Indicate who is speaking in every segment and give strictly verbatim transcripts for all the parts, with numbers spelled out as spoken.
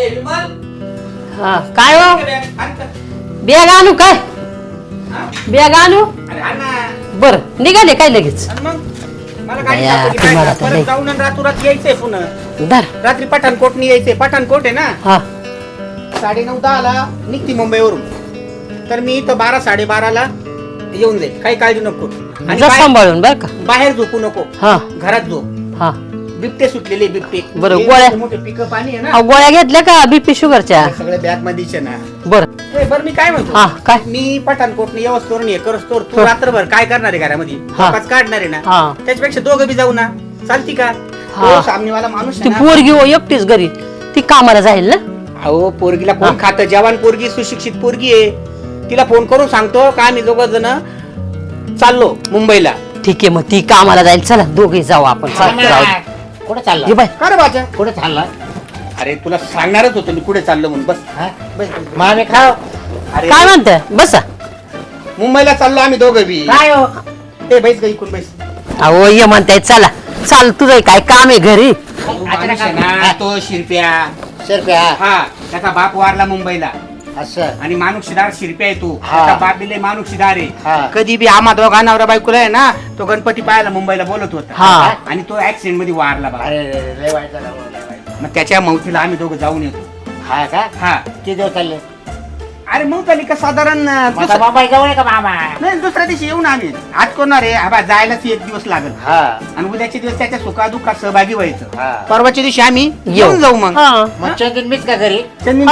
Speaker 1: हा काय हो बॅग आणू काय बॅग आणू बर निघाले काय लगेच
Speaker 2: जाऊन रातोरात यायचंय पुन्हा रात्री पठाणकोटनी यायचंय पठाणकोट आहे ना
Speaker 1: हा
Speaker 2: साडे नऊ दहा ला निघती मुंबईवरून तर मी इथं बारा साडेबाराला येऊन जाईल काही काळजी नको आणि
Speaker 1: सांभाळून बर का
Speaker 2: बाहेर झोपू नको
Speaker 1: हा
Speaker 2: घरात झोप
Speaker 1: हा
Speaker 2: बिबटे सुटलेले बिबटे
Speaker 1: बरं गोळ्या
Speaker 2: मोठे पिकअप आणि आहे ना
Speaker 1: गोळ्या घेतल्या का बीपी शुगरच्या
Speaker 2: सगळे बॅग मध्येच ना
Speaker 1: बर
Speaker 2: बर मी काय म्हणतो
Speaker 1: हा काय
Speaker 2: मी पठाणकोटने व्यवस्थोर हे करस्तोर तू रात्रभर काय करणार आहे घरामध्ये झोपाच काढणार आहे ना त्याच्यापेक्षा दोघं बी जाऊ ना चालती का सामनेवाला माणूस
Speaker 1: ती पोरगी हो एकटीच घरी ती कामाला जाईल ना
Speaker 2: अहो पोरगीला फोन खात जवान पोरगी सुशिक्षित पोरगी आहे तिला फोन करून सांगतो का आम्ही दोघ जण चाललो मुंबईला
Speaker 1: ठीक आहे मग ती कामाला जाईल चला दोघे जाऊ आपण
Speaker 2: कुठे चालला का रे बाजा कुठे चालला अरे तुला सांगणारच होतो मी कुठे चाललो म्हणून बस मामे खाव अरे
Speaker 1: काय म्हणते बसा
Speaker 2: मुंबईला चाललो आम्ही दोघं बी काय हो ते बैस गई कोण बैस
Speaker 1: अहो ये म्हणताय चला चाल तुझं काय काम आहे घरी
Speaker 2: तो शिरप्या शिरप्या हा त्याचा बाप वारला मुंबईला असं आणि मानुक्षीदार शिरप्या आहे तू त्याचा बाप दिले मानुक्षीदार आहे कधी बी आम्हा दोघा नवरा बायकोला आहे ना तो गणपती पाहायला मुंबईला बोलत होता आणि तो ऍक्सिडेंट मध्ये वारला बाबा मग त्याच्या मौतीला आम्ही दोघं जाऊन येतो हा का हा ते दिवस चालले अरे मग चालली का साधारण नाही दुसऱ्या दिवशी येऊन आम्ही आज कोणा रे हा जायलाच एक दिवस लागेल आणि उद्याच्या दिवस त्याच्या सुखादुखात सहभागी व्हायचं परवाच्या दिवशी आम्ही येऊन जाऊ मग चंदन मीच का घरी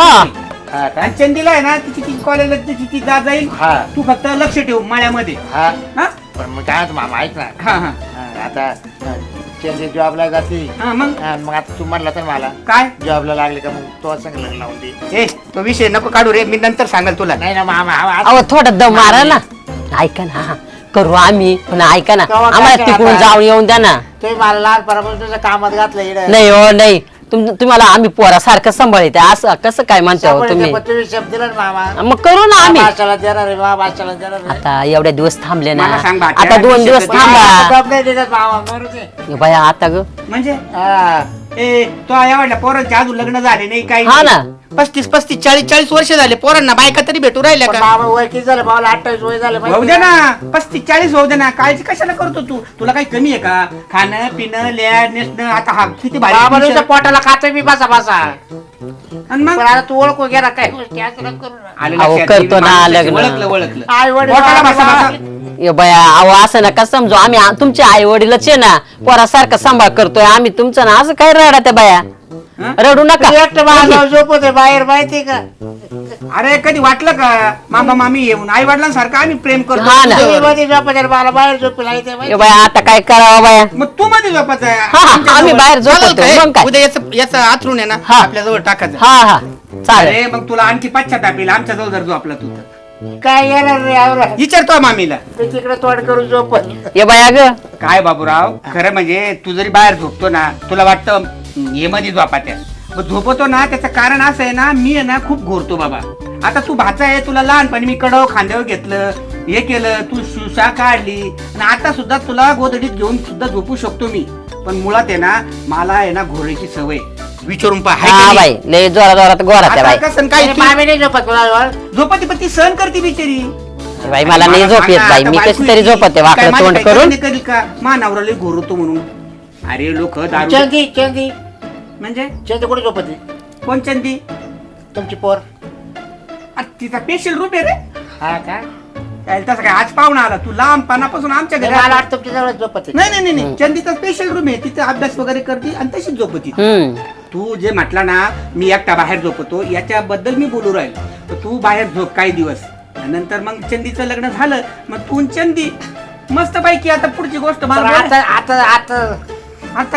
Speaker 2: आणि चंदीला आहे ना तिची ती कॉलेजला तिची ती जा जाईल तू फक्त लक्ष ठेव माळ्यामध्ये
Speaker 3: पण मग काय मामा ऐक ना
Speaker 2: हा हा
Speaker 3: आता चंदी जॉबला जाते
Speaker 2: मग
Speaker 3: मग आता तू म्हणला तर मला
Speaker 2: काय
Speaker 3: जॉबला लागले का मग तो सांग लग्न लावून दे
Speaker 2: ए तो विषय नको काढू रे मी नंतर सांगाल तुला
Speaker 3: नाही ना मामा
Speaker 1: अहो थोडा दम मारा ना ऐका ना करू आम्ही पण ऐका ना आम्हाला तिकडून जाऊन येऊन द्या ना
Speaker 3: तुम्ही मला लहानपणापासून तुझ्या कामात घातलं
Speaker 1: नाही हो नाही तुम्हाला आम्ही पोरासारखं सांभाळते असं कसं काय म्हणता हो तुम्ही
Speaker 3: तुम्ही शब्द दिला ना मामा
Speaker 1: मग करू ना आम्ही
Speaker 3: भाषाला देणार आहे मामा भाषाला देणार आहे
Speaker 1: आता एवढ्या दिवस थांबले ना
Speaker 2: मला सांग बा,
Speaker 1: आता दोन दिवस थांबा
Speaker 3: जॉब नाही देतात मामा बरोबर
Speaker 1: बाया आता ग
Speaker 2: म्हणजे ए तो एवढ्या पोरांचे अजून लग्न झाले नाही काही
Speaker 1: हा ना
Speaker 2: पस्तीस पस्तीस चाळीस चाळीस वर्ष झाले पोरांना बायका तरी भेटू राहिल्या का
Speaker 3: मामा वय किती झालं मामाला अठ्ठावीस वय झालं
Speaker 2: होऊ दे ना पस्तीस चाळीस होऊ दे ना काळजी कशाला करतो तू तुला काही कमी आहे का खाणं पिणं लॅड नेसणं आता हा किती भारी
Speaker 3: पोटाला खातोय मी बसा बसा
Speaker 2: आणि मग
Speaker 3: आता तू ओळखू गेला काय गोष्टी असं नको करू ना.
Speaker 1: अहो, करतो ना लग्न.
Speaker 2: ओळखलं ओळखलं
Speaker 3: आई वडील
Speaker 2: पोटाला बसा बसा
Speaker 1: ये बया अहो असं नका समजू आम्ही आ- तुमचे आई वडीलच आहे ना पोरासारखा सांभाळ करतोय आम्ही तुमचं ना असं काय रडा त्या बाया रडू नका
Speaker 3: एकटं बाळा झोपत बाहेर माहिती का
Speaker 2: अरे कधी वाटलं का मामा मामी येऊन आई वडिलांसारखं आम्ही प्रेम करतो
Speaker 1: हा ना.
Speaker 2: तुझ्यावर.
Speaker 3: मध्ये झोपत मला बाहेर झोपला
Speaker 1: ये बया आता काय करावं बाया
Speaker 2: मग तू मध्ये झोपायचं आहे.
Speaker 1: हा, हा,
Speaker 2: आमच्या
Speaker 1: आम्ही
Speaker 2: जवळ.
Speaker 1: बाहेर झोपतो.
Speaker 2: चालेल काय?
Speaker 1: मग काय?
Speaker 2: उद्या याचं याचं आथरून आहे ना
Speaker 1: हा.
Speaker 2: आपल्या जवळ टाकायचं
Speaker 1: हा हा चालेल
Speaker 2: अरे मग तुला आणखी पश्चाताप येईल आमच्या जवळ जर झोपला तू तर
Speaker 3: काय येणार रे आवरा
Speaker 2: विचारतो मामीला
Speaker 3: मी तिकडे तोड करून झोपत
Speaker 1: ये बया ग
Speaker 2: काय बाबूराव खरं म्हणजे तू जरी बाहेर झोपतो ना तुला वाटतं हे मध्ये झोपात्या मग झोपतो ना त्याचं कारण असं आहे ना मी आहे ना खूप घोरतो बाबा आता तू भाचा आहे तुला लहानपणी मी कडव खांद्यावर घेतलं हे केलं तू शुशा काढली आणि आता सुद्धा तुला गोदडीत घेऊन सुद्धा झोपू शकतो मी पण मुळात आहे ना मला आहे ना घोरायची सवय विचारून
Speaker 1: हा बाई लय जोरा जोरात गोरा त्या बाई
Speaker 2: पाहा
Speaker 3: मामी नाही झोपत तुला
Speaker 2: झोपती पण ती सहन करते बिचारी
Speaker 1: बाई मला नाही झोप येत बाई मी कशी तरी झोपते वाकडं तोंड करून
Speaker 2: कधी का मानावराला घोरतो म्हणून अरे लोक दारू
Speaker 3: चंदी चंदी
Speaker 2: म्हणजे
Speaker 3: चंदी कुठे झोपते
Speaker 2: कोण चंदी
Speaker 3: तुमची पोर
Speaker 2: आ, तिचा स्पेशल रूप आहे रे
Speaker 3: हा का
Speaker 2: त्याला तसं काय आज पाहुणा आला तू लहानपणापासून आमच्या घरी
Speaker 3: मला
Speaker 2: आला.
Speaker 3: वाटतं तुमच्या जवळ झोपते
Speaker 2: नाही नाही नाही चंदीचा स्पेशल रूम आहे तिथे अभ्यास वगैरे करते आणि तशीच झोपती
Speaker 1: हम्म
Speaker 2: तू जे म्हटला ना मी एकटा बाहेर झोपतो याच्याबद्दल मी बोलू राहिलो तर तू बाहेर झोप काही दिवस नंतर मग चंदीचं लग्न झालं मग तू आणि चंदी मस्त पैकी आता पुढची गोष्ट मला बोल.
Speaker 3: आता आता आता
Speaker 2: आता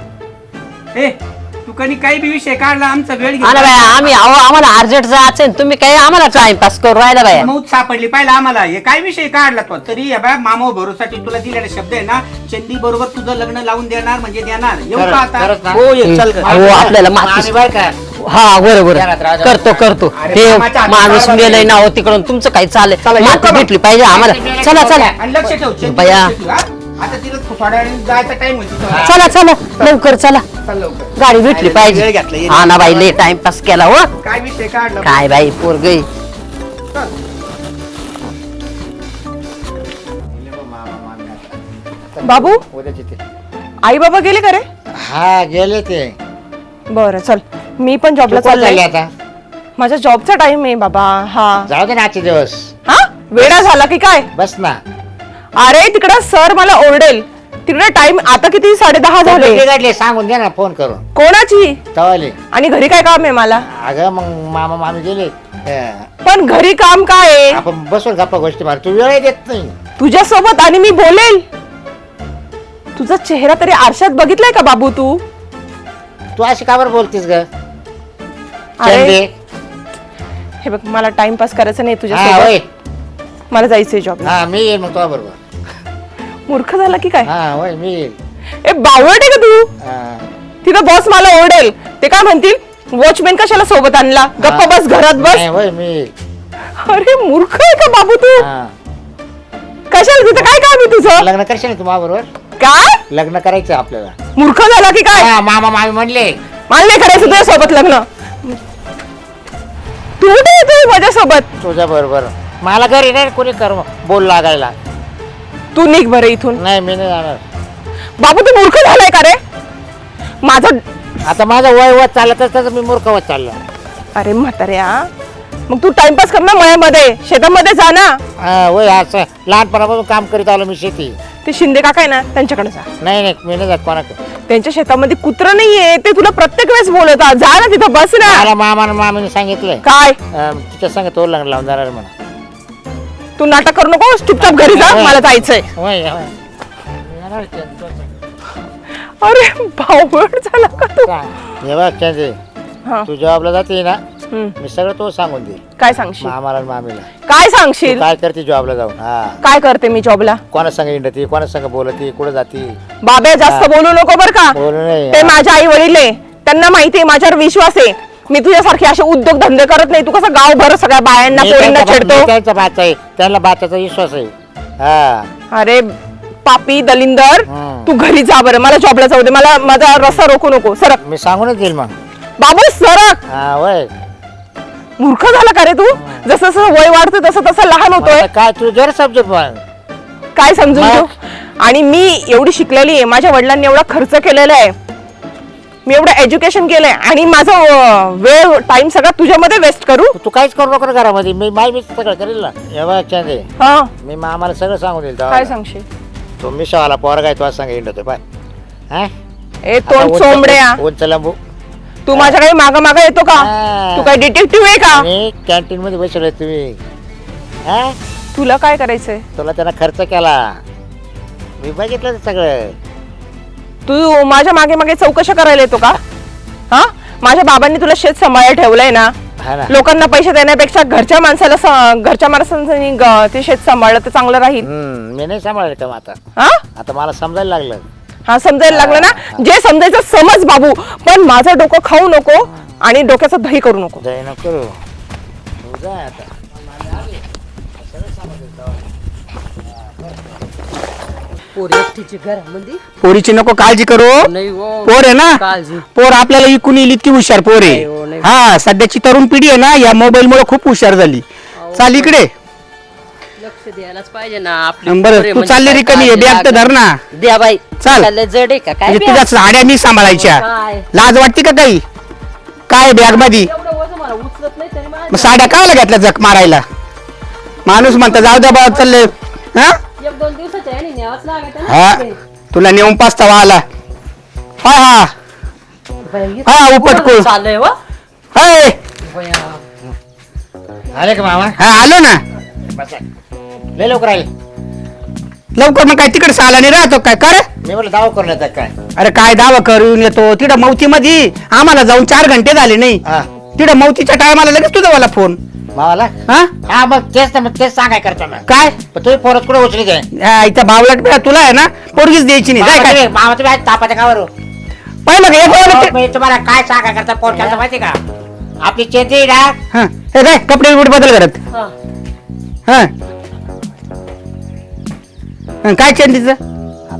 Speaker 2: काय ए तू कधी काही बी विषय काढला आमचा वेळ
Speaker 1: हा ना बाया आम्ही अहो आम्हाला अर्जंट जायचं तुम्ही काय आम्हाला टाइमपास करू राहिला बाया
Speaker 2: मौत सापडली पाहिजे आम्हाला हे काय विषय काढला तो तरी हे बघ मामा भरोसाठी तुला दिलेला शब्द आहे ना चंदी बरोबर तुझं लग्न लावून देणार म्हणजे देणार येऊ का
Speaker 3: खरंच, खरंच
Speaker 2: आता
Speaker 3: ना?
Speaker 2: हो ये चल ग.
Speaker 1: अहो आपल्याला माती
Speaker 3: आणि बरं का
Speaker 1: हा बरोबर
Speaker 3: घरात राजा.
Speaker 1: करतो करतो
Speaker 2: अरे
Speaker 1: ते
Speaker 2: कामाच्या हातात
Speaker 1: माणूस
Speaker 2: बरोबर
Speaker 1: मेलय
Speaker 2: आहे.
Speaker 1: ना हो तिकडून तुमचं काही चालेल
Speaker 2: चला, येऊ का
Speaker 1: माती
Speaker 2: मग?
Speaker 1: भेटली पाहिजे आम्हाला चला चला
Speaker 2: आणि लक्ष ठेव चंदी
Speaker 1: बाया.
Speaker 2: लक्ष ठेव, हा? आता तिला थोड्या वेळाने जायचा टाइम होती.
Speaker 1: चला चला लवकर चला,
Speaker 2: चल लवकर.
Speaker 1: गाडी भेटली
Speaker 2: वेळ
Speaker 1: पाहिजे.
Speaker 2: घेतला येईल.
Speaker 1: हा ना बाई, लय टाइमपास केला हो.
Speaker 2: काय विषय काढला
Speaker 1: काय बाई पोरगई.
Speaker 4: बाबू
Speaker 3: उद्याची ते
Speaker 4: आई बाबा गेले का रे?
Speaker 3: हा गेले ते.
Speaker 4: बरं चल, मी पण जॉबला
Speaker 3: तू कोण चालली
Speaker 4: चालले.
Speaker 3: आता?
Speaker 4: माझा जॉबचा टाइम आहे बाबा. हा
Speaker 3: जाऊ दे ना आजचे दिवस.
Speaker 4: हा वेळा झाला की काय?
Speaker 3: बस ना.
Speaker 4: अरे तिकडं सर मला ओरडेल. तिकडे टाइम आता किती साडे दहा झाले.
Speaker 3: बिघडले सांगून दे ना फोन करून.
Speaker 4: कोणाची?
Speaker 3: तवाले.
Speaker 4: आणि घरी काय काम आहे मला?
Speaker 3: अगं मग मामा मामी गेले. अं,
Speaker 4: पण घरी काम काय आहे?
Speaker 3: आपण बसून गप्पा गोष्टी मार. तू वेळ देत नाही.
Speaker 4: तुझ्या सोबत आणि मी बोलेल. तुझा चेहरा तरी आरशात बघितलाय का बाबू तू?
Speaker 3: तू अशी का बरं बोलतीस ग?
Speaker 4: अरे हे बघ, मला टाइमपास करायचं नाही तुझ्या
Speaker 3: हा होय.
Speaker 4: सोबत. मला जायचंय जॉब.
Speaker 3: हा मी येईल मग तुझ्या बरोबर.
Speaker 4: मूर्ख झाला की काय?
Speaker 3: हा होय मी येईल.
Speaker 4: ए बावळट आहे का तू?
Speaker 3: हा.
Speaker 4: तिथं बॉस मला ओरडेल. ते काय म्हणतील, वॉचमॅन कशाला सोबत आणला, गप्पा बस घरात बस.
Speaker 3: नाही, होय मी येईल.
Speaker 4: अरे मूर्ख आहे का बाबू तू?
Speaker 3: हा.
Speaker 4: कशाला तिथं काय काम आहे तुझं?
Speaker 3: लग्न करशील ना तू माझ्या बरोबर?
Speaker 4: काय
Speaker 3: लग्न करायचं आपल्याला.
Speaker 4: मूर्ख झाला की काय?
Speaker 3: हा, मामा मामी म्हणले.
Speaker 4: मला नाही करायचं तुझ्या सोबत लग्न. तू कुठे येतोय माझ्या सोबत?
Speaker 3: तुझ्या बरोबर मला घरी नाही कोणी कर बोल लागायला.
Speaker 4: तू निघ बरं इथून.
Speaker 3: नाही मी नाही जाणार.
Speaker 4: बाबू तू मूर्ख झालाय का रे? माझं
Speaker 3: आता माझं वय वत चालत असतं मी मूर्ख होत चाललो.
Speaker 4: अरे म्हाताऱ्या, मग तू टाइमपास कर ना मळ्यामध्ये, शेतामध्ये जा ना.
Speaker 3: हा होय, असं लहानपणापासून काम करीत आलो मी शेती.
Speaker 4: ते शिंदे काका आहे ना, त्यांच्याकडे जा.
Speaker 3: नाही नाही मी नाही जात कोणाकडे.
Speaker 4: त्यांच्या शेतामध्ये कुत्र नाहीये, ते तुला प्रत्येक वेळेस बोलवतात. जा ना तिथं, बस ना.
Speaker 3: मला मामा आणि मामीने सांगितलंय
Speaker 4: काय
Speaker 3: अं, तिच्या संग तो लग्न लावून जाणार म्हणा.
Speaker 4: तू नाटक करू नको, चुपचाप घरी जा, मला जायचंय.
Speaker 3: होय होय. येणार ते, तो सांग.
Speaker 4: अरे बावळट झाला का तू?
Speaker 3: हे बघ चंदे,
Speaker 4: हा.
Speaker 3: तू जॉबला जाते ना,
Speaker 4: हम्म.
Speaker 3: मी सगळं तो सांगून दे
Speaker 4: काय सांगशील?
Speaker 3: मामाला आणि मामीला.
Speaker 4: काय
Speaker 3: तू
Speaker 4: सांगशील?
Speaker 3: काय करते जॉबला जाऊन? हा
Speaker 4: काय करते मी जॉबला?
Speaker 3: कोणा संग इंडती, कोणा संग बोलती, कुठं जाती?
Speaker 4: बाबे जास्त बोलू नको बर का.
Speaker 3: बोलू नाही.
Speaker 4: ते माझ्या आई वडील आहे, त्यांना माहिती आहे, माझ्यावर विश्वास आहे. मी तुझ्यासारखे असे उद्योग धंदे करत नाही. तू कसं गावभर सगळ्या बायांना
Speaker 3: मी
Speaker 4: पोरींना
Speaker 3: त्यांचा-
Speaker 4: छेडतो.
Speaker 3: मी त्यांचा बाचा आहे, त्यांना बाचाचा विश्वास आहे. हा
Speaker 4: अरे पापी दलिंदर,
Speaker 3: हम्म.
Speaker 4: तू घरी जा बरं, मला जॉबला जाऊ दे. मला माझा रस्ता रोखू नको. सरक
Speaker 3: मी सांगूनच देईल मग.
Speaker 4: बाबू, सरक.
Speaker 3: हा होय.
Speaker 4: मूर्ख झाला का रे तू? जसं जसं वय वाढतं तसं तसं लहान
Speaker 3: आता
Speaker 4: होतोय.
Speaker 3: काय तू जर समजत पण.
Speaker 4: काय समजून
Speaker 3: मग?
Speaker 4: घेऊ? आणि मी एवढी शिकलेली आहे, माझ्या वडिलांनी एवढा खर्च केलेला आहे, मी एवढं एज्युकेशन केलंय, आणि माझा अं, वेळ टाइम सगळा तुझ्यामध्ये वेस्ट करू?
Speaker 3: तू काहीच करू नको ना घरामध्ये. मी माय मी सगळं करेल ना. हे बघ चंदे,
Speaker 4: हा,
Speaker 3: मी मामाला सगळं सांगून देईल
Speaker 4: काय
Speaker 3: तेव्हा.
Speaker 4: सांगशील?
Speaker 3: तो मिशावाला पोरगा आहे, तो सांग इंडतो पाय. हा
Speaker 4: ए तोंड चोंबड्या,
Speaker 3: उंच लांबू.
Speaker 4: तू माझ्या काही माग माग येतो का?
Speaker 3: हा.
Speaker 4: तू काय डिटेक्टिव्ह आहे का?
Speaker 3: आणि कॅन्टीन मध्ये बसवलंय तुम्ही. हा
Speaker 4: तुला काय करायचंय?
Speaker 3: तुला त्यांना खर्च केला, मी बघितलं ते सगळं.
Speaker 4: तू माझ्या मागे मागे चौकशा करायला येतो का? हा, माझ्या बाबांनी तुला शेत सांभाळायला ठेवलंय ना.
Speaker 3: हा ना.
Speaker 4: लोकांना पैसे देण्यापेक्षा घरच्या माणसाला स- घरच्या माणसांनी ग- ते शेत सांभाळलं तर चांगलं राहील.
Speaker 3: हम्म मी नाही सांभाळलं का मग आता.
Speaker 4: हा
Speaker 3: आता मला समजायला लागलं.
Speaker 4: हा, समजायला लागलं ना. जे समजायचं समज बाबू, पण माझं डोकं खाऊ नको आणि डोक्याचं दही करू नको.
Speaker 3: जय नको करू. तू जा आता.
Speaker 1: पोरी एकटीची घरामध्ये
Speaker 2: पोरीची नको काळजी करू.
Speaker 1: नाही हो.
Speaker 2: पोर आहे ना,
Speaker 1: काळजी.
Speaker 2: पोर आपल्याला इकून येईल इतकी हुशार पोर
Speaker 1: नाही हो,
Speaker 2: आहे.
Speaker 1: नाही.
Speaker 2: हा सध्याची तरुण पिढी आहे ना, या मोबाईल मुळे खूप हुशार झाली. चाल इकडे.
Speaker 1: लक्ष द्यायलाच पाहिजे ना आपली
Speaker 2: बरं,
Speaker 1: पोरे
Speaker 2: तू
Speaker 1: म्हणजे
Speaker 2: चालली
Speaker 1: काय
Speaker 2: रिकामी आहे,
Speaker 1: काळजी
Speaker 2: बॅग तर धर ना.
Speaker 1: लागत. द्या बाई.
Speaker 2: चाल.
Speaker 1: चाललंय जड आहे का काय
Speaker 2: म्हणजे
Speaker 1: बॅग?
Speaker 2: तुझ्या साड्या मी सांभाळायच्या.
Speaker 1: काय?
Speaker 2: लाज वाटते का काही? काय बॅग मध्ये
Speaker 1: एवढं वजन मला उचलत नाही तरी मला
Speaker 2: मग साड्या कायला घेतल्या जक मारायला? माणूस म्हणता जाऊ द्या बाबा चालले. हा
Speaker 1: एक दोन दिवसाच्या याने न्यावंच लागत आहे
Speaker 2: हा
Speaker 1: ना.
Speaker 2: तुला नेऊन पाचता आला. हा हा
Speaker 1: बाई,
Speaker 2: हा उपट कोण
Speaker 1: चाललंय व.
Speaker 2: हाय.
Speaker 1: बया.
Speaker 3: आले का मामा?
Speaker 2: हा आलो ना.
Speaker 3: बसा. लय लवकर आले.
Speaker 2: लवकर मग काय तिकडे साला नाही राहतो काय कर?
Speaker 3: मी म्हटलं दावा करून येतात काय.
Speaker 2: अरे काय दावा करून येतो तिकडं मौती मध्ये. आम्हाला जाऊन चार घंटे झाले नाही.
Speaker 3: हा
Speaker 2: तिकडं मौतीच्या टायमाला लगेच तुझा मला फोन.
Speaker 3: मावाला.
Speaker 2: हा
Speaker 3: हा मग तेच ना, मग तेच सांगाय करतो ना.
Speaker 2: काय
Speaker 3: पण तुम्ही पोरच कुठे उचली काय?
Speaker 2: हा, इथं बावलट बे, तुला आहे ना पोरगीच द्यायची नाही. काय काय
Speaker 3: मामा तुम्ही आज तापाच्या कावर.
Speaker 2: पाहिलं का एक वाजता-
Speaker 3: मी तुम्हाला काय सांगा करता फोन करता माहिती का? आपली चेती ना.
Speaker 2: हा हे काय कपडे बिपडे बदल करत.
Speaker 1: हा.
Speaker 2: हा हा, काय चेंडीचं?
Speaker 3: आता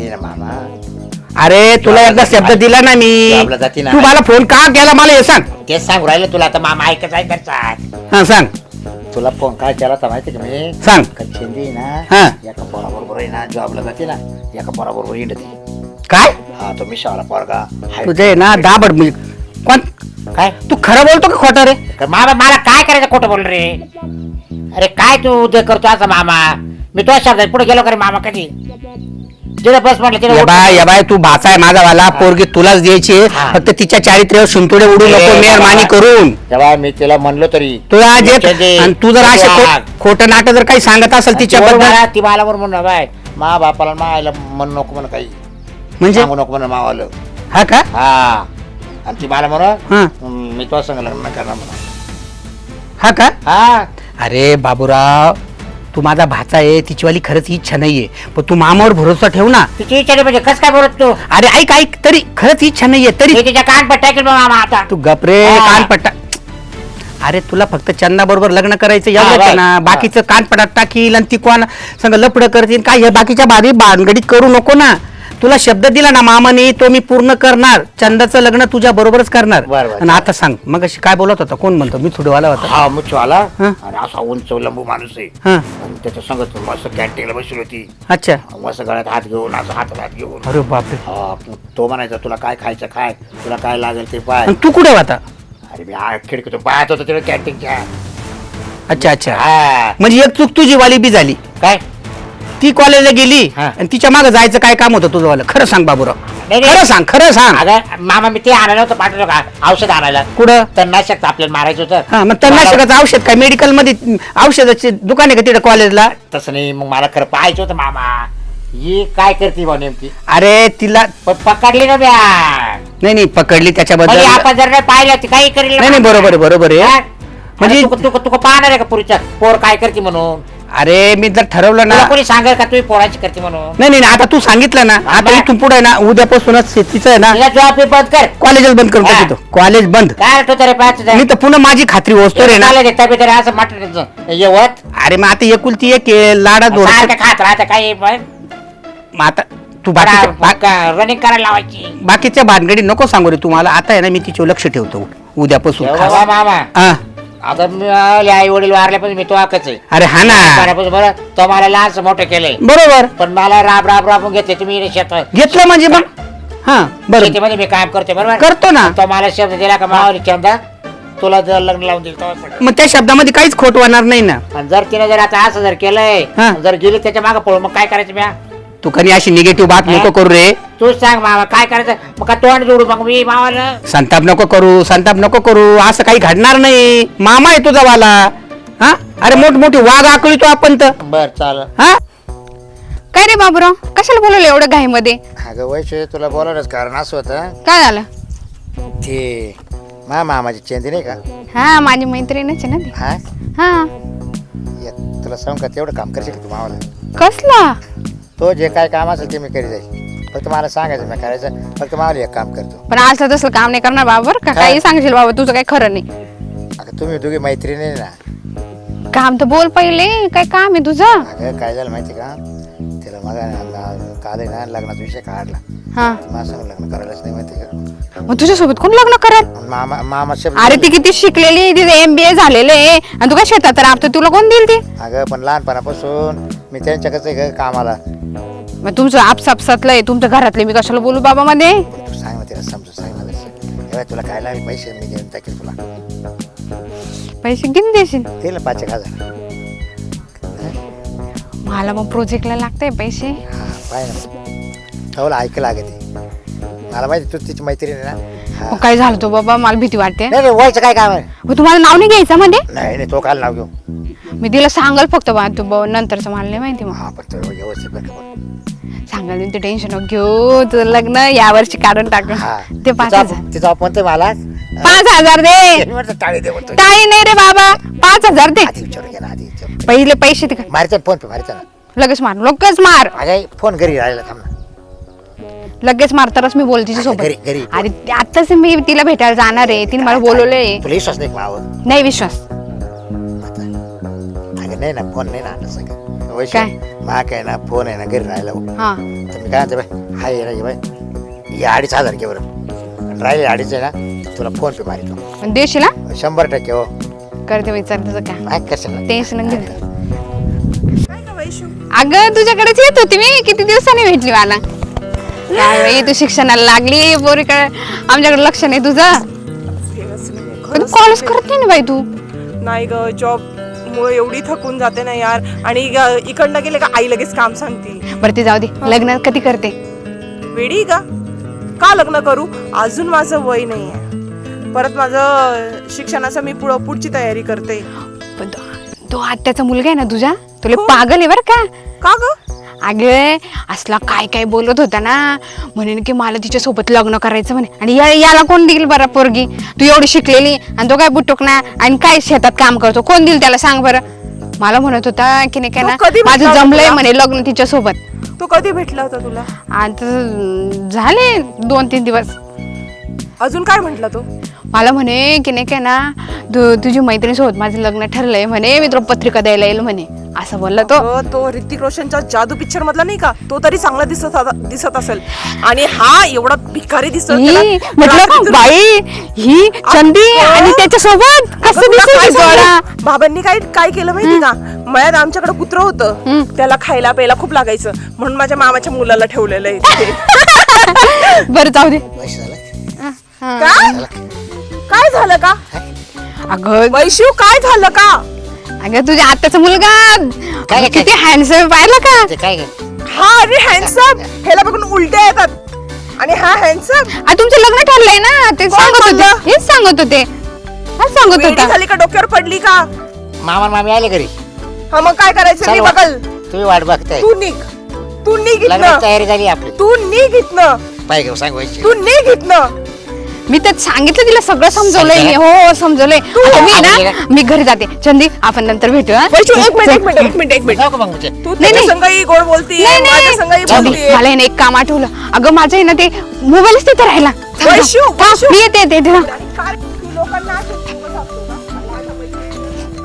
Speaker 3: नाही ना मामा.
Speaker 2: अरे तुला एकदा शब्द दिला ना मी.
Speaker 3: जॉबला जाती ना.
Speaker 2: तू मला फोन का केला मला हे सांग.
Speaker 3: तेच सांगू राहिलं तुला आता मामा ऐकत आहे करता.
Speaker 2: हा सांग.
Speaker 3: तुला फोन काय केला होता माहिती का मी.
Speaker 2: सांग.
Speaker 3: कच्छिंदी ना
Speaker 2: हा.
Speaker 3: एका पोराबरोबर आहे ना जॉबला जाते ना एका पोराबरोबर हिंडते.
Speaker 2: काय
Speaker 3: हा तो मिशावाला पोरगा हाय.
Speaker 2: तुझे ना दाबड मी कोण
Speaker 3: काय
Speaker 2: तू खरं बोलतो का खोटं रे.
Speaker 3: का मामा मला काय करायचं खोटं बोल रे. अरे काय तू उद्या करतो असं मामा. मी तो शब्द पुढे गेलो का रे मामा कधी. तिथे बस म्हटलं तिथे
Speaker 2: ये बाय ये बाय तू भाचा आहे माझा वाला पोरगी तुलाच द्यायची
Speaker 3: हा.
Speaker 2: फक्त तिच्या चारित्र्यावर शिंतोडे उडू नको मेहरबानी करून.
Speaker 3: तेव्हा मी तिला म्हणलो तरी
Speaker 2: तुला आज एक-
Speaker 3: म्हणजे
Speaker 2: आणि तू जर असे
Speaker 3: वाघ.
Speaker 2: खो- खोटं नाटक जर काही सांगत असेल तिच्याबद्दल
Speaker 3: मला- ती मला बरोबर म्हणून बाय मा बापाला मा आईला म्हणू नको म्हणून काही
Speaker 2: म्हणजे
Speaker 3: सांगू नको म्हणून मावालं.
Speaker 2: हा का
Speaker 3: हा आणि ती मला
Speaker 2: हा.
Speaker 3: म्हणून मी तो संग लग्न करणार म्हणून.
Speaker 2: हा का
Speaker 3: हा
Speaker 2: अरे बाबूराव तू माझा भाचा आहे तिचीवाली खरंच इच्छा नाहीये पण तू मामावर भरोसा ठेव ना.
Speaker 3: तिची इच्छा नाही म्हणजे कस काय बोलत तू.
Speaker 2: अरे ऐक ऐक तरी खरंच इच्छा नाहीये तरी
Speaker 3: मी तिच्या कान पट्टा केलं मामा आता.
Speaker 2: तू गपरे
Speaker 3: हा.
Speaker 2: कानपट्टा. अरे तुला फक्त चंदा बरोबर लग्न करायचं
Speaker 3: हा,
Speaker 2: एवढंच आहे
Speaker 3: बाय.
Speaker 2: ना
Speaker 3: हा.
Speaker 2: बाकीचं कानपटात टाकील आणि ती कोण संग लपड करतील काय हे बाकीच्या बारी भानगडीत करू नको ना. तुला शब्द दिला ना मामाने तो मी पूर्ण करणार. चंदाचं लग्न तुझ्या बरोबरच करणार.
Speaker 3: बरं, बरं.
Speaker 2: आणि आता सांग मग अशी काय बोलत होता कोण म्हणतो मी थोडेवाला होता.
Speaker 3: हा मुच्छू आला
Speaker 2: हा.
Speaker 3: आणि असा उंच लंबू माणूस आहे
Speaker 2: हा
Speaker 3: आणि त्याच्या संगत मस्त कॅन्टीनला बसली होती.
Speaker 2: अच्छा
Speaker 3: मस्त गळ्यात हात घेऊन असं हातात हात घेऊन
Speaker 2: अरे बापरे
Speaker 3: हा, तो म्हणायचा तुला काय खायचं खाय तुला काय लागेल ते पाय.
Speaker 2: आणि तू कुठे होता.
Speaker 3: अरे मी हा खिडकीतून पाहत होतो तिला कॅन्टीनच्या.
Speaker 2: अच्छा अच्छा
Speaker 3: हा
Speaker 2: म्हणजे एक चूक तुझी वाली बी झाली.
Speaker 3: काय
Speaker 2: ती कॉलेजला गेली
Speaker 3: हा.
Speaker 2: आणि तिच्या मागे जायचं काय काम होतं तुझं वाला खरं सांग बाबूराव.
Speaker 3: नाही, नाही.
Speaker 2: खरं सांग खरं सांग.
Speaker 3: अगं मामा मी ते आणायला होतं पाठवलं का औषध आणायला.
Speaker 2: कुठं
Speaker 3: तर नाशक आपल्याला मारायचं होतं.
Speaker 2: हा मग तणनाशकाचं औषध काय मेडिकल मध्ये औषधाचे दुकान आहे का तिथे कॉलेजला.
Speaker 3: तसं नाही मग मला खरं पाहायचं होतं मामा. ही काय करते बा नेमकी.
Speaker 2: अरे तिला
Speaker 3: पण पकडली ना ब्या.
Speaker 2: नाही नाही पकडली त्याच्याबद्दल
Speaker 3: म्हणजे
Speaker 2: नाही
Speaker 3: आपण जर नाही पाहिलं ती काही करेल ना.
Speaker 2: नाही बरोबर आहे बरोबर आहे.
Speaker 3: हा?
Speaker 2: म्हणजे-
Speaker 3: म्हणजे तुका तुका पाहणार आहे का पुरीच्या पोर काय करते म्हणून.
Speaker 2: अरे मी जर ठरवलं ना
Speaker 3: तुला कोणी सांगेल का तुम्ही पोराची करते म्हणून.
Speaker 2: नाही नाही नाही, आता तू सांगितलं ना आता
Speaker 3: बरं.
Speaker 2: इथून पुढे ना उद्यापासूनच शेतीचं आहे ना
Speaker 3: तिला जॉब बी बंद कर.
Speaker 2: कॉलेजच बंद करून
Speaker 3: हा.
Speaker 2: टाकतो कॉलेज बंद.
Speaker 3: काय रे तू तरी पाहत
Speaker 2: मी तर पुन्हा माझी खात्री होतो रे ना.
Speaker 3: तब्येत रे असं म्हटलं येवत
Speaker 2: अरे मग आता एकुलती एक आहे, लाडा दोन
Speaker 3: सारखं खात राहतं काही पण.
Speaker 2: मग आता तू बाकीच्या बा-
Speaker 3: रनिंग करायला लावायची.
Speaker 2: बाकीच्या भानगडी नको सांगू रे तुम्हाला आता आहे ना मी तिच्यावर लक्ष ठेवतो उद्यापासून
Speaker 3: ठेव
Speaker 2: खास.
Speaker 3: बाबा मामा.
Speaker 2: हा.
Speaker 3: आता मी आई वडील वारल्यापासून मी तो आकच आहे.
Speaker 2: अरे हा ना
Speaker 3: वारल्यापासून बरं तो मला लहानच मोठं केलंय.
Speaker 2: बरोबर
Speaker 3: पण मला राब राब राबून घेतले तुम्ही इकडे शेतात.
Speaker 2: घेतलं म्हणजे मग हा बरोबर
Speaker 3: शेतीमध्ये मी काम करते बरोबर.
Speaker 2: करतो ना.
Speaker 3: तो मला शब्द दिला का मावाली चंदा तुला जर लग्न लावून दिलं तेव्हा सगळं.
Speaker 2: मग त्या शब्दामध्ये काहीच खोट होणार नाही ना.
Speaker 3: आणि जर तिने जर आता असं जर केलंय
Speaker 2: हा.
Speaker 3: जर गेली त्याच्या मागे पळून मग काय करायचं म्या.
Speaker 2: तू कधी अशी निगेटिव्ह बात नको करू रे.
Speaker 3: तू सांग मामा काय करायचं मग का तोंड जोडू मग मी मावाला.
Speaker 2: संताप नको करू संताप नको करू असं काही घडणार नाही. मामा आहे तुझा वाला. हा अरे मोठ मोठी वाघ आकळीतो आपण तर.
Speaker 3: बर चाल.
Speaker 2: हा
Speaker 5: काय रे बाबूराव कशाला बोलवलं एवढं घाईमध्ये.
Speaker 3: अगं वैश्य तुला बोलावलंच कारण असं होतं
Speaker 5: काय झालं.
Speaker 3: ते मा मामाची चेंदी नाही का.
Speaker 5: हा माझी मैत्रीणच आहे ना ती.
Speaker 3: हा
Speaker 5: हा
Speaker 3: ये, तुला सांग का तेवढं काम करशील का तू मावाला.
Speaker 5: कसला.
Speaker 3: तो जे काय काम असेल ते मी करी जाईल फक्त मला सांगायचं मी करायचं फक्त मावाला एक काम करतो.
Speaker 5: पण आज तसलं काम नाही करणार बाबा बरं का.
Speaker 3: काय?
Speaker 5: काही सांगशील बाबा तुझं काही खरं नाही.
Speaker 3: अगं तुम्ही दोघी मैत्रिणी आहे ना.
Speaker 5: काम तर बोल पहिले काय काम आहे तुझं.
Speaker 3: अगं काय झालं माहिती का तिला मग काल आहे ना लग्नाचा विषय काढला.
Speaker 5: हा
Speaker 3: माझ्या संग लग्न करायलाच नाही माहिती का.
Speaker 5: मग तुझ्यासोबत कोण लग्न करेल.
Speaker 3: मामा मामा शब्द
Speaker 5: अरे ती किती शिकलेली तिथे एम बी ए झालेलं आहे आणि तू काय शेतात राबतो तुला कोण देईल ती.
Speaker 3: अगं पण लहानपणापासून मी त्यांच्याकडे आहे का कामाला.
Speaker 5: मग तुमचं आपसापसातलं आहे तुमच्या घरातले मी कशाला बोलू बाबा मध्ये.
Speaker 3: तू सांग ना तिला समजून सांग ना तसं. तेव्हा तुला काय लागेल पैसे मी घेऊन टाकेल तुला.
Speaker 5: पैसे किती देशील.
Speaker 3: दिलं पाच एक हजार.
Speaker 5: मला मग प्रोजेक्टला लागतंय पैसे.
Speaker 3: हा पाय ना ठेवलं ऐक लागते मला माहिती तू तिची मैत्रीण आहे ना. हा
Speaker 5: मग काय झालं तो बाबा मला भीती वाटते.
Speaker 3: नाही नाही व्हायचं काय काम आहे.
Speaker 5: मग तुम्हाला नाव नाही घ्यायचं मध्ये.
Speaker 3: नाही नाही तो काल नाव घेऊ.
Speaker 5: मी तिला सांगाल फक्त बा तू ब- नंतरचं मला नाही माहिती. मग
Speaker 3: हा पण तो व्यवस्थित बरं का बघ.
Speaker 5: सांगाल मी ते टेन्शन नको घेऊ तुझं लग्न यावर्षी काढून टाक.
Speaker 3: हा
Speaker 5: ते पाच
Speaker 3: तिचा
Speaker 5: हजार
Speaker 3: तिचा म्हणते मला
Speaker 5: पाच हजार दे.
Speaker 3: टाळी दे म्हणतो.
Speaker 5: काही नाही रे बाबा पाच हजार दे.
Speaker 3: आधी विचारू घे ना आधी विचारू.
Speaker 5: पहिले पैसे दे.
Speaker 3: मारचा फोन पे मारचा ना.
Speaker 5: लगेच मार लगेच मार
Speaker 3: अगं फोन घरी राहिला थांब ना.
Speaker 5: लगेच मार तरच मी बोल तिच्या सोबत.
Speaker 3: घरी घरी
Speaker 5: अरे आताच मी तिला भेटायला जाणार आहे तिने मला बोलवलंय.
Speaker 3: तुला विश्वास नाही का मावं.
Speaker 5: नाही विश्वास.
Speaker 3: अगं
Speaker 6: नाही ना फोन नाही ना आणलं सगळं वैश
Speaker 5: काय?
Speaker 6: मा काय ना फोन आहे ना घरी राहिला हो.
Speaker 5: हा
Speaker 6: तर मी काय म्हणतो बाय हाय रे बाय या अडीच हजार घे बरं राहिले अडीच आहे ना तुला फोन पे मारितो
Speaker 5: पण देशील हा?
Speaker 6: शंभर टक्के हो
Speaker 5: करते विचार तुझं काय
Speaker 6: काय कशाला
Speaker 5: टेन्शन घेत
Speaker 4: काय का वैशू
Speaker 5: अगं तुझ्याकडेच येत होती मी किती दिवसांनी भेटली मला काय बाई तू शिक्षणाला लागली पोरीकडे आमच्याकडे लक्ष नाही तुझं तू कॉलेज करत नाही ना बाई तू
Speaker 4: नाही ग जॉब मुळे एवढी थकून जाते ना यार आणि ग- इकडनं गेले का आई लगेच काम सांगते
Speaker 5: बरं ते जाऊ दे लग्न कधी करते
Speaker 4: वेडी का का लग्न करू अजून माझं वय नाही आहे परत माझं शिक्षणाचं मी पुढं पुढची तयारी करते
Speaker 5: पण तो- तो आत्याचा मुलगा आहे ना तुझ्या तुला पागल आहे बरं का
Speaker 4: का ग
Speaker 5: अगे असला काय काय बोलत होता ना म्हणेन की मला तिच्या सोबत लग्न करायचं म्हणे आणि या- याला कोण देईल बरं पोरगी तू एवढी शिकलेली आणि तो काय बुटुक ना आणि काय शेतात काम करतो कोण देईल त्याला सांग बरं मला म्हणत होता की नाही काय
Speaker 4: तो
Speaker 5: ना
Speaker 4: कधी
Speaker 5: माझं
Speaker 4: भेटला होता
Speaker 5: जमलंय
Speaker 4: तुला?
Speaker 5: म्हणे लग्न तिच्या सोबत
Speaker 4: तू कधी भेटला होता तुला
Speaker 5: आता झाले दोन तीन दिवस
Speaker 4: अजून काय म्हटला तो
Speaker 5: मला म्हणे की नाही काय ना तू तुझी मैत्रिणीसोबत माझं लग्न ठरलंय म्हणे मी तुला पत्रिका द्यायला येईल म्हणे असं बोलला तो
Speaker 4: अगं, तो ऋतिक रोशनच्या जादू पिक्चर मधला नाही का तो तरी चांगला दिसत आता- दिसत असेल आणि हा एवढा भिकारी दिसतो त्याला
Speaker 5: ही, म्हटलं का
Speaker 4: रात्रीतून-
Speaker 5: बाई ही चंदी
Speaker 4: अगं.
Speaker 5: आणि त्याच्या सोबत
Speaker 4: अगं,
Speaker 5: कसं
Speaker 4: तुला
Speaker 5: दिसेल
Speaker 4: काय
Speaker 5: ही जोडा
Speaker 4: सांगू? बाबांनी काय काय केलं माहिती का मळ्यात आमच्याकडे कुत्र होतं त्याला खायला प्यायला खूप लागायचं म्हणून माझ्या मामाच्या मुलाला ठेवलेलं आहे तिथे.
Speaker 5: बरं जाऊ दे
Speaker 6: वैश झालं
Speaker 4: काय काय झालं का
Speaker 5: अगं
Speaker 4: वैशिव काय झालं का
Speaker 5: अगं तुझ्या आत्याचा मुलगा
Speaker 6: काय-
Speaker 5: किती हँडसम पाहिलं का
Speaker 6: ते काय ग?
Speaker 4: हा अरे हँडसम ह्याला बघून उलट्या येतात आणि हा हँडसम
Speaker 5: आ, तुमचं लग्न ठरलंय ना ते
Speaker 4: कोण
Speaker 5: सांगत होते
Speaker 4: बोललं?
Speaker 5: हेच सांगत होते हेच सांगत
Speaker 4: वेडी
Speaker 5: होता
Speaker 4: झाली का डोक्यावर पडली का
Speaker 6: मामा मामी आले घरी
Speaker 4: हा मग काय करायचं मी
Speaker 6: चल वा.
Speaker 4: बघल
Speaker 6: तुम्ही वाट बघताय
Speaker 4: तू निघ तू निघ
Speaker 6: लग्नाची
Speaker 4: इथनं
Speaker 6: तयारी झाली आपली
Speaker 4: तू निघ इथनं
Speaker 6: पाय घेऊ सांग वैश
Speaker 4: तू निघ इथनं
Speaker 5: मी तर सांगितलं तिला सगळं समजवलंय मी हो समजवलंय आता मी
Speaker 6: आली
Speaker 5: ना
Speaker 6: का?
Speaker 5: मी घरी जाते चंदी आपण नंतर भेटू हा?
Speaker 4: वैशू एक मिनिट एक मिनिट एक मिनिट एक मिनिट
Speaker 6: जाऊ का मग तुझ्या?
Speaker 4: तू
Speaker 5: नाही,
Speaker 4: त्याच्या
Speaker 5: नाही.
Speaker 4: संगही गोड बोलतीये
Speaker 5: नाही,
Speaker 4: माझ्या
Speaker 5: नाही.
Speaker 4: संगही
Speaker 5: चंदी,
Speaker 4: बोलतीये
Speaker 5: मला आहे ना एक काम आठवलं अगं माझं आहे ना ते मोबाईलच तिथे राहिला थांब,
Speaker 4: वैशू,
Speaker 5: थांब. हा,
Speaker 4: वैशू.
Speaker 5: मी येते येते येते, थांब.
Speaker 4: आणि काय तू लोकांना असं फुकट सांगतो का? माझ्या मैत्रिणीला.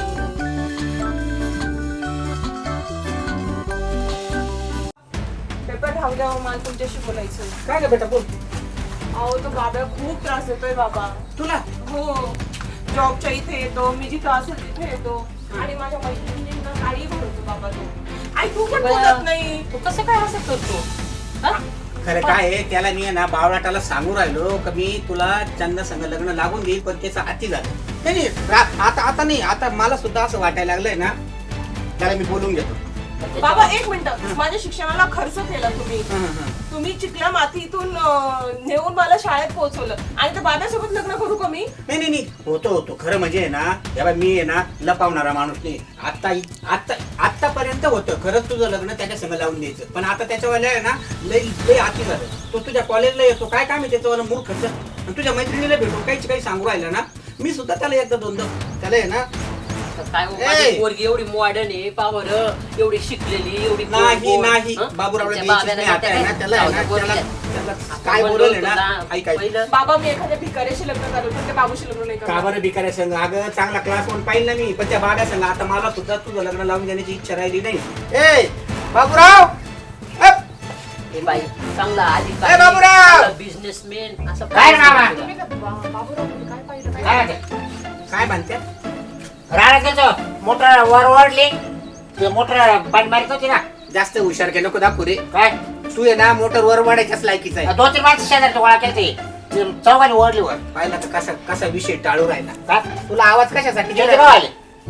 Speaker 4: पेपर राहू द्या हो, मला तुमच्याशी बोलायचं
Speaker 2: काय ग बेटा बोल
Speaker 4: अहो तो बाबा खूप त्रास देतोय बाबा
Speaker 2: तुला
Speaker 4: हो जॉबच्या इथे येतो मी जिथं असेल तिथे येतो आणि माझ्या मैत्रिणींना काही बोलतो बाबा तो आई तू पण बोलत नाही
Speaker 1: तू कसं काय असं करतो हा?
Speaker 2: खरं काय आहे त्याला मी आहे ना बावळाटाला सांगू राहिलो का मी तुला चंदा संग लग्न लागून देईल पण त्याचा अति झालं नाही नाही, रा- आता आता नाही आता मला सुद्धा असं वाटायला लागलंय ना त्याला मी बोलून घेतो
Speaker 4: बाबा एक मिनिट माझ्या शिक्षणाला खर्च केला तुम्ही
Speaker 2: हं, हं, हं.
Speaker 4: तुम्ही चिखल्या मातीतून अं, नेऊन मला शाळेत पोहोचवलं आणि त्या बाबासोबत लग्न करू का मी
Speaker 2: नाही नाही नाही होतो होतो खरं म्हणजे आहे ना तेव्हा मी आहे ना लपावणारा माणूस नाही आता आता आतापर्यंत होतं खरंच तुझं लग्न त्याच्या संग लावून द्यायचं पण आता त्याच्यावाल्या आहे ना लय लय आती झालं तो तुझ्या कॉलेजला येतो काय काम आहे त्याच्यावर मूर्खच आणि तुझ्या मैत्रिणीला भेटून काहीच काही सांगू राहिला ना मी सुद्धा त्याला एकदा दोनदा त्याला आहे ना
Speaker 1: काय हो,
Speaker 2: ए!
Speaker 1: माझी पोरगी एवढी मॉडर्न आहे पावर एवढी शिकलेली एवढी
Speaker 2: नाही
Speaker 1: गोड,
Speaker 2: नाही
Speaker 1: हं?
Speaker 2: बाबूरावला
Speaker 1: तुमच्या
Speaker 2: द्यायचीच नाही
Speaker 1: बाब्याला
Speaker 2: आता आहे ना
Speaker 1: काय?
Speaker 2: त्याला आहे ना
Speaker 1: जाऊ दे,
Speaker 2: त्याला
Speaker 1: बोलू
Speaker 2: त्याला
Speaker 1: दे.
Speaker 2: काय
Speaker 1: आपण
Speaker 2: बोलवलं
Speaker 1: बोलतो
Speaker 2: ना
Speaker 1: ना,
Speaker 2: ऐक ऐक
Speaker 1: पहिलं
Speaker 4: बाबा मी एखाद्या भिकाऱ्याशी लग्न करू पण त्या बाबूशी लग्न नाही
Speaker 2: का
Speaker 4: करणार
Speaker 2: बरं भिकाऱ्या संघ अगं चांगला क्लास म्हणून पाहिलं ना मी पण त्या बाब्या संघ आता मला सुद्धा तुझं लग्न लावून देण्याची इच्छा राहिली नाही ए बाबूराव अप!
Speaker 1: हे बाई चांगला आधी
Speaker 2: ए, बाबूराव!
Speaker 1: बिझनेसमॅन असं
Speaker 6: काय रे मामा?
Speaker 4: बाबूराव काय पाहिलं काय
Speaker 6: काय म्हणते?
Speaker 2: काय म्हणते
Speaker 6: राडा गेलो मोटर वर ओढली ते मोटर पाणी मारित होती ना
Speaker 2: जास्त हुशार केलं नको दाखवू रे
Speaker 6: काय
Speaker 2: तू आहे ना मोटर वर वाढायच्याच लायकीचा आहे
Speaker 6: दोन तीन माणसं शेजारची गोळा केली चौघांनी ओढली वर
Speaker 2: पाहिला तर कसा कसा विषय टाळू राहिला
Speaker 6: काय
Speaker 2: तुला आवाज कशासाठी
Speaker 6: किती
Speaker 2: दिला?
Speaker 6: भाव आले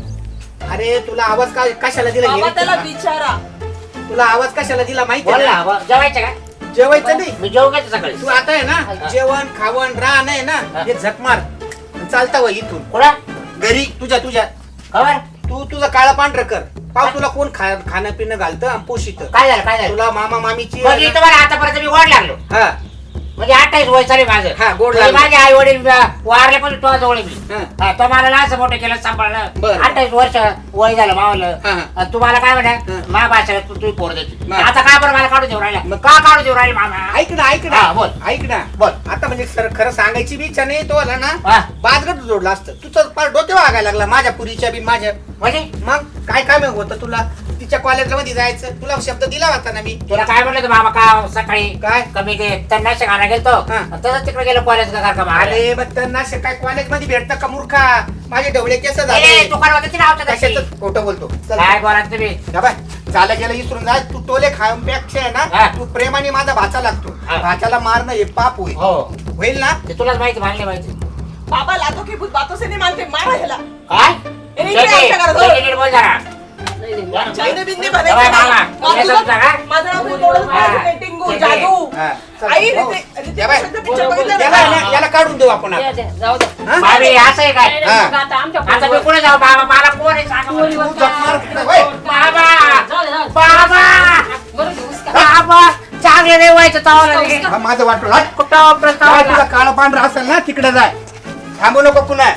Speaker 2: अरे तुला आवाज का कशाला दिला
Speaker 4: बाबा
Speaker 2: हे
Speaker 4: त्याला
Speaker 2: विचार
Speaker 4: विचारा
Speaker 2: ना. तुला आवाज कशाला दिला माहिती
Speaker 6: बोल
Speaker 2: आहे
Speaker 6: ना
Speaker 2: ना
Speaker 6: ब- जेवायचं का
Speaker 2: जेवायचं नाही
Speaker 6: मी जेवू घेतो सकाळी
Speaker 2: तू आता आहे ना जेवण खावण राहण आहे ना हे झकमार चालता वय इथून
Speaker 6: कुठं
Speaker 2: घरी तुझ्या तुझ्या
Speaker 6: खबर
Speaker 2: तू तुझं काळा पांढरं कर पाव तुला कोण खा खाणं पिणं घालतं आणि पोषित
Speaker 6: काय झालं काय झालं
Speaker 2: तुला मामा मामीची
Speaker 6: म्हणजे तुम्हाला आतापर्यंत मी ओढ लागलो
Speaker 2: हा
Speaker 3: म्हणजे अठ्ठावीस वय चालेल माझं.
Speaker 2: हा, गोड
Speaker 3: म्हणजे
Speaker 2: लागलं.
Speaker 3: माझे आई वडील वारले पण तो जवळ मी.
Speaker 2: हा.
Speaker 3: हा, तो मला असं मोठं केलं सांभाळलं.
Speaker 2: बरं.
Speaker 3: अठ्ठावीस वर्ष वय झालं मावलं.
Speaker 2: हा, हा.
Speaker 3: आणि तुम्हाला काय म्हणा
Speaker 2: हा.
Speaker 3: मा भाषा तू तू पोर देते.
Speaker 2: हा.
Speaker 3: आता काय बरं मला काढून देऊ राहिला
Speaker 2: मग-
Speaker 3: का काढून देऊ राहिले मामा?
Speaker 2: ऐक ना ऐक
Speaker 3: हा,
Speaker 2: ना
Speaker 3: बोल.
Speaker 2: ऐक ना
Speaker 3: बोल.
Speaker 2: आता म्हणजे सर खरं सांगायची बी इच्छा नाही तो आला ना
Speaker 3: हा.
Speaker 2: बाजगट जोडला असतं तुझं फार डोक्यावर लागायला लागला माझ्या पुरीच्या बी माझ्या
Speaker 3: म्हणजे
Speaker 2: मग काय काय मग होतं तुला तिच्या कॉलेजला मध्ये जायचं तुला शब्द दिला होता ना मी
Speaker 3: तुला काय म्हणलं होतं मामा का सकाळी
Speaker 2: काय?
Speaker 3: कमी ते तन्नाशे घाला गेलतो
Speaker 2: हा.
Speaker 3: तसंच तिकडे गेलो कॉलेज का का
Speaker 2: अरे मग त्यांना असे काय कॉलेज मध्ये भेटतं का मूर्खा माझे ढवळे केस झाले
Speaker 3: अरे दुकान होतं तिला आवडतं तशी.
Speaker 2: कशाचं खोटं बोलतो चल.
Speaker 3: काय बोला तुम्ही
Speaker 2: जा बाय झालं गेलं इसरून जा तू टोले खायपेक्षा आहे
Speaker 3: हा.
Speaker 2: ना तू प्रेमाने माझा भाचा लागतो
Speaker 3: हा.
Speaker 2: भाच्याला मारणं हे पाप होईल
Speaker 3: हो
Speaker 2: होईल ना
Speaker 3: ते तुलाच माहिती मानले माहिती
Speaker 4: बाबा लातो की भूत बातों से नहीं मानते, मारा ह्याला.
Speaker 3: काय
Speaker 4: ए, इकडे आमच्या घरात हो.
Speaker 3: शेती- शेती बोल जरा.
Speaker 4: चांदे बिंदे
Speaker 3: बाबा,
Speaker 4: बनायचे
Speaker 3: बाबा,
Speaker 4: नाही.
Speaker 3: तुला
Speaker 4: माझं-
Speaker 3: समजतं का?
Speaker 4: माझं नाव तुम्ही तोडून
Speaker 3: हा.
Speaker 4: पाहायचं, पेंटिंग,
Speaker 3: ठीक आहे.
Speaker 4: जादू.
Speaker 2: हा, चल.
Speaker 4: आई
Speaker 2: हो.
Speaker 4: रीते- रीते
Speaker 2: या बाय.
Speaker 4: कृष्णाचं picture बघितलं
Speaker 2: याला
Speaker 4: ना?
Speaker 2: याला- याला काढून देऊ आपण आता.
Speaker 1: जाऊ दे
Speaker 2: हा?
Speaker 3: बाबी, असं आहे काय
Speaker 2: हा.
Speaker 1: आता आमच्या
Speaker 3: आता मी कुठे जाऊ बाबा मला कोण आहे सांगा मला.
Speaker 2: तू जप मार तिकडे, होय.
Speaker 3: बाबा
Speaker 1: जाऊ दे, जाऊ दे.
Speaker 3: बाबा
Speaker 1: बरं घेऊस का?
Speaker 3: बाबा चांगले नाही व्हायचं चावलं नाही.
Speaker 2: हा, माझं वाटलं हट.
Speaker 3: कुठं
Speaker 2: काय
Speaker 3: प्रस्ताव
Speaker 2: तुला काळा पांढरा असेल ना तिकडे जाय थांबू नको पुन्हा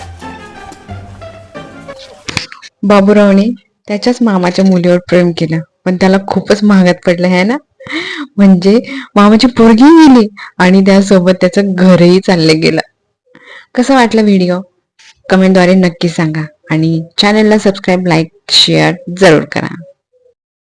Speaker 7: बाबूरावने त्याच्याच मामाच्या मुलीवर प्रेम केलं पण त्याला खूपच महागात पडलं है ना. म्हणजे मामाची पोरगी गेली आणि त्यासोबत त्याचं घरही चाललं गेलं. कसं वाटलं व्हिडिओ कमेंटद्वारे नक्की सांगा आणि चॅनलला सबस्क्राईब लाईक शेअर जरूर करा.